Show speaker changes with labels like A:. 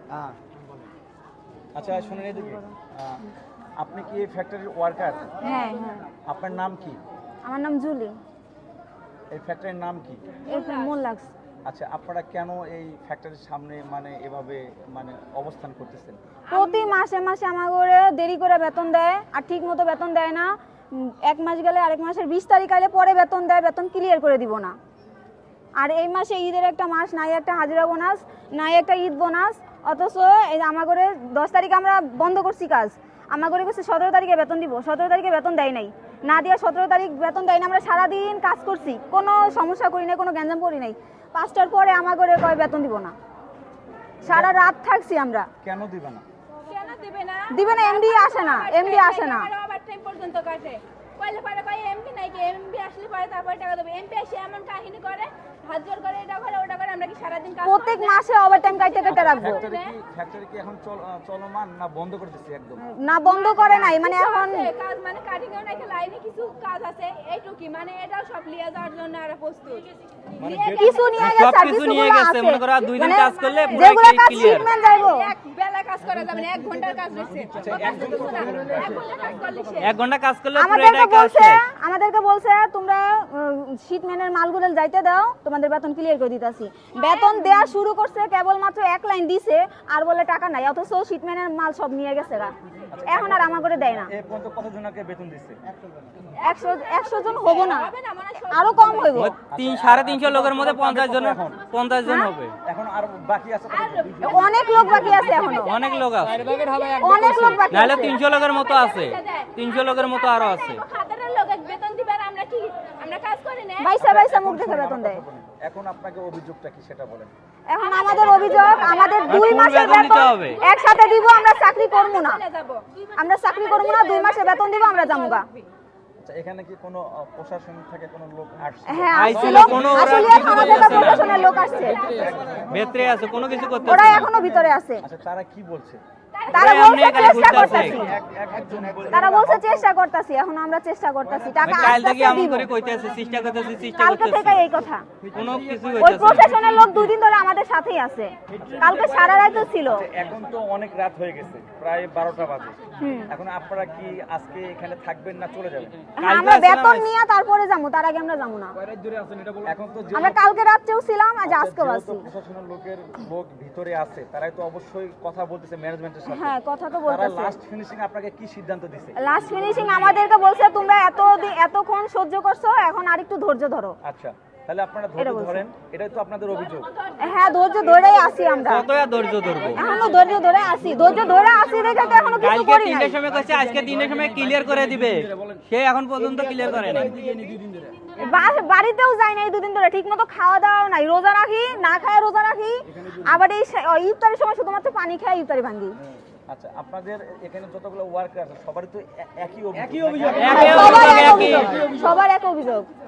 A: আচ্ছা শুনুন এদিকে, আপনি কি এই ফ্যাক্টরির ওয়ার্কার?
B: হ্যাঁ হ্যাঁ।
A: আপনার নাম কি?
B: আমার নাম জুলি।
A: এই ফ্যাক্টরির নাম কি?
B: মোল্লাক্স।
A: আচ্ছা, আপনারা কেন এই ফ্যাক্টরির সামনে মানে এভাবে মানে অবস্থান করতেছেন?
B: প্রতি মাসে মাসে আমাকে দেরি করে বেতন দেয়, আর ঠিক মতো বেতন দেয় না। এক মাস গেলে আরেক মাসের 20 তারিখ আইলে পরে বেতন দেয়, বেতন ক্লিয়ার করে দিব না। আর এই মাসে ঈদের একটা মাস, নাই একটা হাজিরা বোনাস, নাই একটা ঈদ বোনাস। অথচ এই আমাকে 10 তারিখ আমরা বন্ধ করছি কাজ, আমাকে বলছে 17 তারিখে বেতন দিব, 17 তারিখে বেতন দেয় নাই, না দিয়ে 17 তারিখ বেতন দেয় না। আমরা সারাদিন কাজ করছি, কোনো সমস্যা করি নাই, কোনো গ্যাঞ্জাম করি নাই। 5টার পরে আমাকে কয় বেতন দিব না, সারা রাত থাকছি আমরা।
A: কেন দিবে না?
B: দিবে না, এমডি আসে না, এমডি আসে না।
C: পর্যন্ত কাটে কইলে পরে কই এমপি নাই কি, এমপি আসলে পরে তারপরে টাকা দেবে। এমপি এসে এমন কাহিনী করে, হাত জোর করে, এটা করে ওটা করে। আমরা কি সারা দিন কাজ
B: প্রত্যেক মাসে ওভারটাইম কাটতে কাটতে রাখবো।
A: ফ্যাক্টরি কি এখন চলমান না বন্ধ করে দিচ্ছি একদম?
B: না, বন্ধ করে নাই, মানে এখন
C: কাজ মানে কাটিং এর নাকি লাইনে কিছু কাজ আছে এইটুকি, মানে এটাও সব লিয়ে যাওয়ার জন্য আর প্রস্তুত।
B: কিছু নিয়ে গেছে,
D: সব কিছু নিয়ে গেছে, মনে করো 2 দিন কাজ করলে পুরো
B: যেগুলো কাজ
D: ক্লিয়ার।
B: শিপমেন্ট যাইবো,
C: এক বেলা কাজ করা যাবে না, 1 ঘন্টার কাজ রয়েছে। 1 ঘন্টা কাজ করলে শেষ।
D: 1 ঘন্টা কাজ করলে পুরো এটা কাজ শেষ।
B: আমাদেরকে বলছে তোমরা শিপমেন্টের মালগুলো যাইতে দাও, তোমাদের বেতন ক্লিয়ার করে দিতাছি। বেতন দেয়া শুরু করছে, কেবলমাত্র 1 লাইন দিছে, আর বলে টাকা নাই। অথচ শিপমেন্টের মাল সব নিয়ে গেছে গা, এখন আর আমাকে দেয় না।
A: এই পর্যন্ত কতজনকে বেতন দিচ্ছে?
B: 100 জন হবো না, আরো কম হইব।
D: 350 লোকের মধ্যে 50 জন হবে।
A: এখন আর বাকি আছে কতজন?
B: অনেক লোক বাকি আছে, এখনো
D: অনেক লোক আছে,
B: অনেক লোক বাকি
D: নাহলে
B: আছে।
D: 300 লোকের মতো আছে, 300 লোকের মতো আরো আছে।
C: হাজারের লোক বেতন দিবে আর আমরা কি, আমরা কাজ করি না।
B: বাইসা মুখ দেখে বেতন দেয়।
A: এখন আপনাকে অভিযোগটা কি সেটা বলেন।
B: এখন আমাদের অভিযোগ, আমাদের 2 মাসের
D: বেতন দিতে
B: বেতন
D: হবে।
B: একসাথে দিব, আমরা চাকরি করব না। আমরা চাকরি করব না, 2 মাসের বেতন দিব, আমরা যামুগা।
A: আচ্ছা, এখানে কি কোনো প্রশাসন থেকে কোনো লোক আসছে?
B: হ্যাঁ,
D: আইছিল, কোনো ওরা
B: আসলে
D: কিছু
B: আমাদের
D: করতেছে না।
B: প্রশাসনের লোক আসছে,
D: ভেতরে আছে, কোনো কিছু করতে
B: ওরা এখনো ভিতরে আছে।
A: আচ্ছা, তারা কি বলছে?
B: তারা
D: ওরা
B: বলছে
D: এমনি খালি
B: চেষ্টা
D: বুঝতাছে।
B: করতেছি, তারা বলছে চেষ্টা করতেছি, এখন আমরা চেষ্টা করতেছি, টাকা
D: কাল
B: আস্তে
D: থেকে
B: আস্তে
D: এমন
B: দিব।
D: করে কইতেছে, চেষ্টা করতেছি,
B: কালকে থেকে এই কথা,
D: কোনো কিছু
B: ওই
D: হইতেছে না।
B: প্রশাসনের লোক 2 দিন ধরে আমাদের সাথেই আছে, কালকে সারা রাত ছিল।
A: এখন তো অনেক রাত হয়ে গেছে, প্রায় 12টা বাজে। এখন আপনারা কি আজকে এখানে থাকবেন না চলে যাবেন?
B: হ্যাঁ, আমরা বেতন নিয়ে তারপরে যাবো, তার আগে আমরা যাবো না।
A: এখন তো
B: আমরা কালকে রাতেও ছিলাম, আজ আজকেও
A: যেহেতু
B: আছি।
A: প্রশাসনের লোক ভিতরে আছে, তারাই তো অবশ্যই কথা বলতেছে ম্যানেজমেন্টের সাথে।
B: হ্যাঁ, কথা তো
A: তারা
B: বলতেছে।
A: লাস্ট ফিনিশিং আপনাকে কি সিদ্ধান্ত দিছে?
B: লাস্ট ফিনিশিং আমাদেরকে বলছে তোমরা এতক্ষণ সহ্য করছো, এখন আর একটু ধৈর্য ধরো।
A: আচ্ছা, তাহলে আপনারা ধৈর্য ধরেন, এটাই তো আপনাদের অভিযোগ।
B: হ্যাঁ, ধৈর্য ধরেই আছি আমরা,
D: কত আর ধৈর্য ধরবো?
B: এখনো ধৈর্য ধরে আছি, দেখে তো এখনো কিছু
D: কালকে
B: করি নাই।
D: 3টার সময় কইছে, আজকে 3টার সময় ক্লিয়ার করে দিবে, সে এখন পর্যন্ত ক্লিয়ার করে নাই।
B: বাড়িতেও যাই নাই 2 দিন ধরে, ঠিক মতো খাওয়া দাওয়া নাই, রোজা রাখি, না খায় রোজা রাখি, আবার এই ইফতারের সময় শুধুমাত্র পানি খাই, ইফতারি ভাঙ্গি।
A: আচ্ছা, আপনাদের এখানে যতগুলো ওয়ার্কার আছে সবারই তো একই অভিযোগ।
B: সবার এক অভিযোগ।